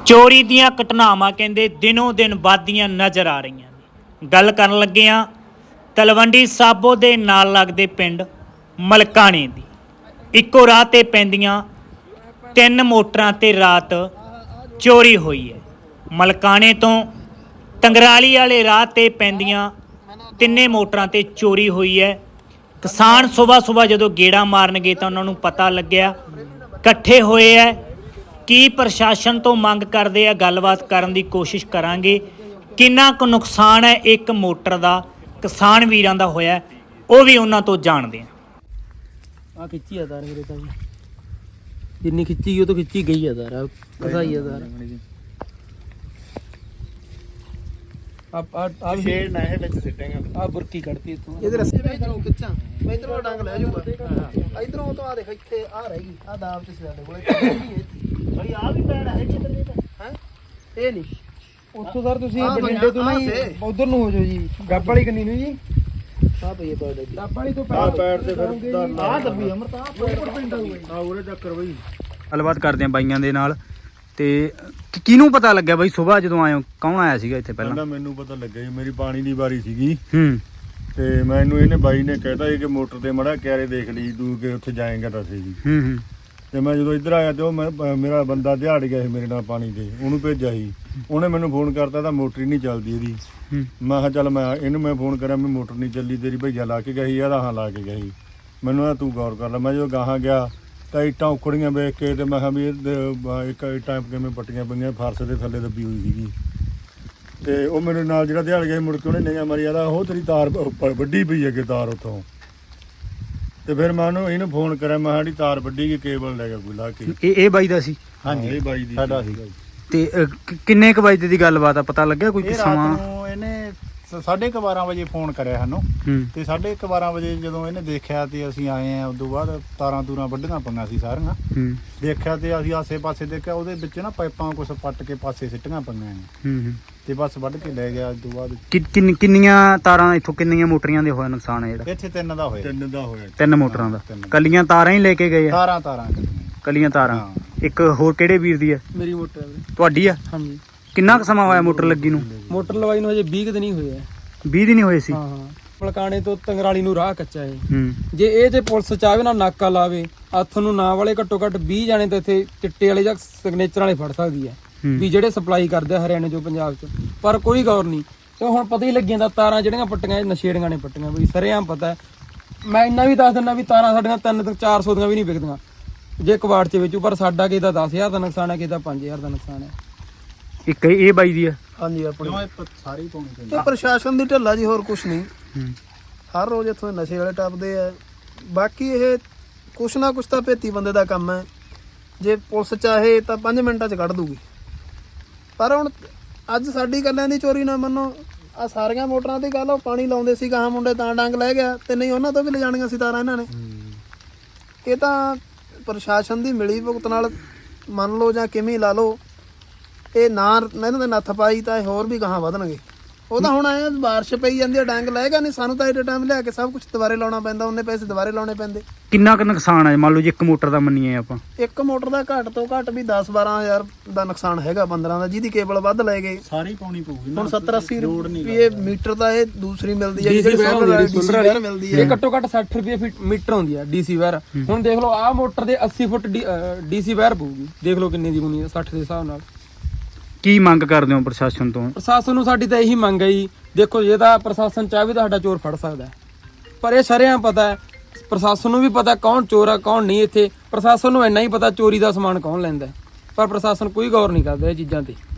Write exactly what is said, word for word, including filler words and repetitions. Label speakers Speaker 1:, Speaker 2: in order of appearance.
Speaker 1: ਚੋਰੀ ਦੀਆਂ ਘਟਨਾਵਾਂ ਕਹਿੰਦੇ ਦਿਨੋਂ ਦਿਨ ਵੱਧਦੀਆਂ ਨਜ਼ਰ ਆ ਰਹੀਆਂ ਨੇ। ਗੱਲ ਕਰਨ ਲੱਗੇ ਹਾਂ ਤਲਵੰਡੀ ਸਾਬੋ ਦੇ ਨਾਲ ਲੱਗਦੇ ਪਿੰਡ ਮਲਕਾਣੇ ਦੀ। ਇੱਕੋ ਰਾਹ ਤੇ ਪੈਂਦੀਆਂ ਤਿੰਨ ਮੋਟਰਾਂ ਤੇ ਰਾਤ ਚੋਰੀ ਹੋਈ ਹੈ। ਮਲਕਾਣੇ ਤੋਂ ਟੰਗਰਾਲੀ ਵਾਲੇ ਰਾਹ ਤੇ ਪੈਂਦੀਆਂ ਤਿੰਨੇ ਮੋਟਰਾਂ ਤੇ ਚੋਰੀ ਹੋਈ ਹੈ। ਕਿਸਾਨ ਸਵੇਰ ਸਵੇਰ ਜਦੋਂ ਗੇੜਾ ਮਾਰਨ ਗਏ ਤਾਂ ਉਹਨਾਂ ਨੂੰ ਪਤਾ ਲੱਗਿਆ, ਇਕੱਠੇ ਹੋਏ ਹੈ। ਕੀ ਪ੍ਰਸ਼ਾਸਨ ਤੋਂ ਮੰਗ ਕਰਦੇ ਆ, ਗੱਲਬਾਤ ਕਰਨ ਦੀ ਕੋਸ਼ਿਸ਼ ਕਰਾਂਗੇ। ਕਿੰਨਾ ਕੁ ਨੁਕਸਾਨ ਹੈ ਇੱਕ ਮੋਟਰ ਦਾ ਕਿਸਾਨ ਵੀਰਾਂ ਦਾ ਹੋਇਆ, ਉਹ ਵੀ ਉਹਨਾਂ ਤੋਂ ਜਾਣਦੇ ਆ।
Speaker 2: ਆ ਖਿੱਚੀ ਆ ਤਾਰ ਮੇਰੇ ਤਾਂ ਜਿੰਨੀ ਖਿੱਚੀ ਗਈ ਉਹ ਤੋਂ ਖਿੱਚੀ ਗਈ ਆ ਤਾਰ, ਕਸਾਈ ਆ ਤਾਰ। ਆ ਆ ਆ ਸ਼ੇਡ ਨਾ ਹੈ ਵਿੱਚ ਸਿੱਟੇਗਾ। ਆ ਬੁਰਕੀ ਕੱਢਤੀ ਇਥੋਂ, ਇਹਦੇ ਰੱਸੇ ਵਿੱਚ ਇਧਰੋਂ ਖਿੱਚਾਂ, ਮੈਂ ਇਧਰੋਂ ਡੰਗ ਲੈ ਜਾਊਗਾ। ਇਧਰੋਂ ਤੋਂ ਆ ਦੇਖ ਇੱਥੇ ਆ ਰਹਿ ਗਈ ਆ ਦਾਬ ਚ ਸਾਡੇ ਕੋਲੇ ਬੜੀ ਆ ਵੀ ਪੈੜ ਹੈ ਕਿਧਰ ਦੇ ਹੈ ਇਹ ਨਹੀਂ ਉੱਥੋਂ ਸਰ ਤੁਸੀਂ ਬਠਿੰਡੇ ਤੋਂ ਨਹੀਂ ਉਧਰ ਨੂੰ ਹੋ ਜਾਓ ਜੀ, ਗੱਬ ਵਾਲੀ ਕੰਨੀ ਨੂੰ ਜੀ। ਆ ਪਈ ਪੈੜ ਦੀ ਗੱਬ ਵਾਲੀ ਤੋਂ ਪੈੜ ਪੈੜ ਤੇ ਫਿਰ ਆ ਦੱਬੀ ਅਮਰਤ ਆ ਉੱਪਰ ਪਿੰਡ ਆ ਉਰੇ ਚੱਕਰ ਬਈ।
Speaker 3: ਗੱਲਬਾਤ ਕਰਦੇ ਆ ਬਾਈਆਂ ਦੇ ਨਾਲ। ਤੇ ਕਿਹਨੂੰ ਪਤਾ ਲੱਗਿਆ ਬਾਈ ਸਵੇਰ ਜਦੋਂ ਆਏ ਹੋ, ਕੌਣ ਆਇਆ ਸੀਗਾ ਇੱਥੇ ਪਹਿਲਾਂ?
Speaker 4: ਮੈਨੂੰ ਪਤਾ ਲੱਗਿਆ ਜੀ, ਮੇਰੀ ਪਾਣੀ ਦੀ ਵਾਰੀ ਸੀਗੀ
Speaker 3: ਹੂੰ
Speaker 4: ਤੇ ਮੈਨੂੰ ਇਹਨੇ ਬਾਈ ਨੇ ਕਹਿਤਾ ਕਿ ਮੋਟਰ ਤੇ ਮੜਾ ਕਿਆਰੇ ਦੇਖ ਲਈ ਤੂੰ ਕਿ ਉੱਥੇ ਜਾਏਗਾ ਤਾਂ ਸਹੀ ਜੀ।
Speaker 3: ਹੂੰ ਹੂੰ
Speaker 4: ਤੇ ਮੈਂ ਜਦੋਂ ਇੱਧਰ ਆਇਆ ਤੇ ਉਹ ਮੈਂ ਮੇਰਾ ਬੰਦਾ ਦਿਹਾੜ ਗਿਆ ਸੀ ਮੇਰੇ ਨਾਲ ਪਾਣੀ ਤੇ, ਉਹਨੂੰ ਭੇਜਿਆ ਸੀ। ਉਹਨੇ ਮੈਨੂੰ ਫੋਨ ਕਰਤਾ ਤਾਂ ਮੋਟਰ ਹੀ ਨਹੀਂ ਚੱਲਦੀ ਇਹਦੀ। ਮੈਂ ਕਿਹਾ ਚੱਲ ਮੈਂ ਇਹਨੂੰ ਮੈਂ ਫੋਨ ਕਰਿਆ ਵੀ ਮੋਟਰ ਨਹੀਂ ਚੱਲੀ ਤੇਰੀ ਭਈਆ ਲਾ ਕੇ ਗਈ ਆ? ਹਾਂ ਲਾ ਕੇ ਗਈ। ਮੈਨੂੰ ਆ ਤੂੰ ਗੌਰ ਕਰ ਲੈ। ਮੈਂ ਜਦੋਂ ਗਾਹਾਂ ਗਿਆ ਤਾਂ ਇੱਟਾਂ ਉਖੜੀਆਂ ਵੇਖ ਕੇ ਤੇ ਮੈਂ ਕਿਹਾ ਵੀ ਇਹ ਇੱਕ ਇੱਟਾਂ ਕਿਵੇਂ ਪੱਟੀਆਂ ਪਈਆਂ, ਫਰਸ਼ ਦੇ ਥੱਲੇ ਦੱਬੀ ਹੋਈ ਸੀਗੀ। ਤੇ ਉਹ ਮੇਰੇ ਨਾਲ ਜਿਹੜਾ ਦਿਹਾੜ ਗਿਆ ਮੁੜ ਕੇ ਉਹਨੇ ਨਿਗਾਹ ਮਾਰੀ, ਆਦਾ ਉਹ ਤੇਰੀ ਤਾਰ ਵੱਡੀ ਪਈ ਹੈ ਕਿ ਤਾਰ ਉੱਥੋਂ। ਤੇ ਫਿਰ ਮੈਂ ਉਹਨੂੰ ਇਹਨੂੰ ਫੋਨ ਕਰਿਆ, ਮੈਂ ਸਾਡੀ ਤਾਰ ਵੱਡੀ ਗਈ, ਕੇਬਲ ਲੈ ਗਿਆ ਕੋਈ ਲਾ ਕੇ।
Speaker 3: ਇਹ ਇਹ ਬਾਈ ਦਾ ਸੀ?
Speaker 4: ਹਾਂਜੀ ਇਹ ਬਾਈ ਦੀ ਸਾਡਾ ਸੀਗਾ।
Speaker 3: ਤੇ ਕਿੰਨੇ ਕੁ ਵਜੇ ਦੀ ਗੱਲਬਾਤ ਆ, ਪਤਾ ਲੱਗਿਆ ਕੋਈ ਸਮਾਂ?
Speaker 5: ਇਹਨੇ ਸਾਢੇ ਕੁ ਬਾਰਾਂ ਵਜੇ ਫੋਨ ਕਰਿਆ ਸਾਨੂੰ ਤੇ ਸਾਢੇ ਕੁ ਬਾਰਾਂ ਵਜੇ ਜਦੋਂ ਇਹਨੇ ਦੇਖਿਆ ਤੇ ਅਸੀਂ ਆਏ ਆ। ਉਦੋਂ ਬਾਅਦ ਤਾਰਾਂ ਤੂਰਾਂ ਵੱਢੀਆਂ ਪਈਆਂ ਸੀ ਸਾਰੀਆਂ। ਦੇਖਿਆ ਤੇ ਅਸੀਂ ਆਸੇ ਪਾਸੇ ਦੇਖਿਆ, ਉਹਦੇ ਵਿੱਚ ਨਾ ਪਾਈਪਾਂ ਕੁਛ ਪੱਟ ਕੇ ਪਾਸੇ ਸਿੱਟੀਆਂ ਪਈਆਂ ਨੇ ਤੇ ਬਸ ਵੱਢ ਕੇ ਲੈ ਗਿਆ। ਉਦੋਂ ਬਾਅਦ
Speaker 3: ਕਿੰਨੀਆਂ ਤਾਰਾਂ ਇੱਥੋਂ, ਕਿੰਨੀਆਂ ਮੋਟਰੀਆਂ ਦੇ ਹੋਇਆ ਨੁਕਸਾਨ ਹੈ ਜਿਹੜਾ?
Speaker 5: ਇੱਥੇ ਤਿੰਨ ਦਾ ਹੋਇਆ।
Speaker 4: ਤਿੰਨ ਦਾ ਹੋਇਆ।
Speaker 3: ਤਿੰਨ ਮੋਟਰਾਂ ਦਾ? ਕੱਲੀਆਂ ਤਾਰਾਂ ਹੀ ਲੈ ਕੇ ਗਏ ਆ?
Speaker 5: ਤਾਰਾਂ ਤਾਰਾਂ
Speaker 3: ਕੱਲੀਆਂ ਤਾਰਾਂ। ਇੱਕ ਹੋਰ ਕਿਹੜੇ ਵੀਰ ਦੀ ਆ?
Speaker 2: ਮੇਰੀ ਮੋਟਰ
Speaker 3: ਤੁਹਾਡੀ ਆ?
Speaker 2: ਹਾਂਜੀ।
Speaker 3: ਕਿੰਨਾ ਕੁ ਸਮਾਂ ਹੋਇਆ ਮੋਟਰ ਲੱਗੀ ਨੂੰ?
Speaker 2: ਮੋਟਰ ਲਵਾਈ ਨੂੰ ਹਜੇ ਵੀਹ ਕੁ ਦਿਨ ਹੀ ਹੋਏ ਆ।
Speaker 3: ਵੀਹ ਦਿਨ ਹੀ ਹੋਏ ਸੀ?
Speaker 2: ਹਾਂ ਹਾਂ। ਮਲਕਾਣੇ ਤੋਂ ਤੰਗਰਾਲੀ ਨੂੰ ਰਾਹ ਕੱਚਾ ਹੈ।
Speaker 3: ਹੂੰ
Speaker 2: ਜੇ ਇਹ ਤੇ ਪੁਲਿਸ ਚਾਹਵੇ ਨਾ ਨਾਕਾ ਲਾਵੇ, ਹੱਥ ਨੂੰ ਨਾ ਵਾਲੇ ਘੱਟੋ ਘੱਟ ਵੀਹ ਜਾਣੇ ਤਾਂ ਇੱਥੇ ਚਿੱਟੇ ਵਾਲੇ ਜਾਂ ਸਿਗਨੇਚਰ ਵਾਲੇ ਫੜ ਸਕਦੀ ਹੈ ਵੀ ਜਿਹੜੇ ਸਪਲਾਈ ਕਰਦੇ ਆ ਹਰਿਆਣੇ ਚੋਂ ਪੰਜਾਬ ਚ। ਪਰ ਕੋਈ ਗੌਰ ਨਹੀਂ। ਤੇ ਹੁਣ ਪਤਾ ਹੀ ਲੱਗੀ ਜਾਂਦਾ ਤਾਰਾਂ ਜਿਹੜੀਆਂ ਪੱਟੀਆਂ ਨਸ਼ੇੜੀਆਂ ਨੇ ਪੱਟੀਆਂ ਬਈ, ਸਰੇਆਮ ਪਤਾ। ਮੈਂ ਇੰਨਾ ਵੀ ਦੱਸ ਦਿੰਦਾ ਵੀ ਤਾਰਾਂ ਸਾਡੀਆਂ ਤਿੰਨ ਤੋਂ ਚਾਰ ਸੌ ਦੀਆਂ ਵੀ ਨਹੀਂ ਵਿਕਦੀਆਂ ਜੇ ਕਬਾੜ ਚ ਵੇਚੂ। ਪਰ ਸਾਡਾ ਕਿਸੇ ਦਾ ਦਸ ਹਜ਼ਾਰ ਦਾ ਨੁਕਸਾਨ ਹੈ, ਕਿਸੇ ਦਾ ਪੰਜ ਹਜ਼ਾਰ ਦਾ ਨੁਕਸਾਨ ਹੈ।
Speaker 3: ਇੱਕ ਇਹ ਬਾਈ ਦੀ ਆ?
Speaker 2: ਹਾਂਜੀ ਆਪਣੀ
Speaker 5: ਸਾਰੀ ਪਾਉਣੀ।
Speaker 2: ਇਹ ਪ੍ਰਸ਼ਾਸਨ ਦੀ ਢਿੱਲਾ ਜੀ, ਹੋਰ ਕੁਛ ਨਹੀਂ। ਹਰ ਰੋਜ਼ ਇੱਥੋਂ ਨਸ਼ੇ ਵਾਲੇ ਟੱਪਦੇ ਆ। ਬਾਕੀ ਇਹ ਕੁਛ ਨਾ ਕੁਛ ਤਾਂ ਭੇਤੀ ਬੰਦੇ ਦਾ ਕੰਮ ਹੈ। ਜੇ ਪੁਲਿਸ ਚਾਹੇ ਤਾਂ ਪੰਜ ਮਿੰਟਾਂ 'ਚ ਕੱਢ ਦੂਗੀ। ਪਰ ਹੁਣ ਅੱਜ ਸਾਡੀ ਗੱਲਾਂ ਦੀ ਚੋਰੀ ਨਾ ਮੰਨੋ, ਆ ਸਾਰੀਆਂ ਮੋਟਰਾਂ ਦੀ ਗੱਲ। ਉਹ ਪਾਣੀ ਲਾਉਂਦੇ ਸੀ ਗਾਹਾਂ ਮੁੰਡੇ ਤਾਂ ਡੰਗ ਲੈ ਗਿਆ, ਤੇ ਨਹੀਂ ਉਹਨਾਂ ਤੋਂ ਵੀ ਲਿਜਾਣੀਆਂ ਸੀ ਤਾਰਾਂ ਇਹਨਾਂ ਨੇ। ਇਹ ਤਾਂ ਪ੍ਰਸ਼ਾਸਨ ਦੀ ਮਿਲੀ ਭੁਗਤ ਨਾਲ ਮੰਨ ਲਓ ਜਾਂ ਕਿਵੇਂ ਲਾ ਲਓ, ਇਹ ਨਾ ਇਹਨਾਂ ਦੇ ਨੱਥ ਪਾਈ ਤਾਂ ਇਹ ਹੋਰ ਵੀ ਗਾਹਾਂ ਵਧਣਗੇ। ਉਹ ਤਾਂ ਹੁਣ ਆਏ ਬਾਰਿਸ਼ ਪਈ ਜਾਂਦੀ ਹੈ, ਡੰਗ ਲੈਗਾ ਨਹੀਂ। ਸਾਨੂੰ ਤਾਂ ਇਹ ਟਾਈਮ ਲਿਆ ਕੇ ਸਭ ਕੁਝ ਦੁਬਾਰੇ ਲਾਉਣਾ ਪੈਂਦਾ, ਉਹਨੇ ਪੈਸੇ ਦੁਬਾਰੇ ਲਾਉਣੇ ਪੈਂਦੇ।
Speaker 3: ਕਿੰਨਾ ਕੁ ਨੁਕਸਾਨ ਹੈ ਮੰਨ ਲਓ ਜੇ ਇੱਕ ਮੋਟਰ ਦਾ ਮੰਨੀਏ ਆਪਾਂ?
Speaker 2: ਇੱਕ ਮੋਟਰ ਦਾ ਘੱਟ ਤੋਂ ਘੱਟ ਵੀ ਦਸ ਬਾਰਾਂ ਹਜ਼ਾਰ ਦਾ ਨੁਕਸਾਨ ਹੈਗਾ, ਪੰਦਰਾਂ ਦਾ, ਜਿਹਦੀ ਕੇਬਲ ਵੱਧ ਲੈ ਗਏ।
Speaker 5: ਸਾਰੀ ਪਾਉਣੀ ਪਊਗੀ
Speaker 2: ਹੁਣ ਸੱਤਰ ਅੱਸੀ ਰੁਪਏ ਮੀਟਰ ਦਾ ਇਹ ਦੂਸਰੀ ਮਿਲਦੀ ਹੈ, ਜਿਹੜੀ ਸੋਲਰ ਮਿਲਦੀ ਹੈ। ਇਹ ਘੱਟੋ ਘੱਟ ਸੱਠ ਰੁਪਏ ਮੀਟਰ ਹੁੰਦੀ ਹੈ ਡੀਸੀ ਵਾਇਰ। ਹੁਣ ਦੇਖ ਲਓ ਆਹ ਮੋਟਰ ਦੇ ਅੱਸੀ ਫੁੱਟ ਡੀਸੀ ਵਾਇਰ ਪਊਗੀ, ਦੇਖ ਲਓ ਕਿੰਨੀ ਦੀ ਬਣੀ ਹੈ ਸੱਠ ਦੇ ਹਿਸਾਬ ਨਾਲ।
Speaker 3: ਕੀ ਮੰਗ ਕਰਦੇ ਹੋ ਪ੍ਰਸ਼ਾਸਨ ਤੋਂ?
Speaker 2: ਪ੍ਰਸ਼ਾਸਨ ਨੂੰ ਸਾਡੀ ਤਾਂ ਇਹੀ ਮੰਗ ਹੈ ਜੀ। ਦੇਖੋ ਜੇ ਤਾਂ ਪ੍ਰਸ਼ਾਸਨ ਚਾਹੇ ਤਾਂ ਸਾਡਾ ਚੋਰ ਫੜ ਸਕਦਾ ਹੈ, ਪਰ ਇਹ ਸਾਰਿਆਂ ਪਤਾ ਹੈ, ਪ੍ਰਸ਼ਾਸਨ ਨੂੰ ਵੀ ਪਤਾ ਕੌਣ ਚੋਰ ਆ ਕੌਣ ਨਹੀਂ। ਇੱਥੇ ਪ੍ਰਸ਼ਾਸਨ ਨੂੰ ਇੰਨਾ ਹੀ ਪਤਾ ਚੋਰੀ ਦਾ ਸਮਾਨ ਕੌਣ ਲੈਂਦਾ, ਪਰ ਪ੍ਰਸ਼ਾਸਨ ਕੋਈ ਗੌਰ ਨਹੀਂ ਕਰਦਾ ਇਹ ਚੀਜ਼ਾਂ ਤੇ।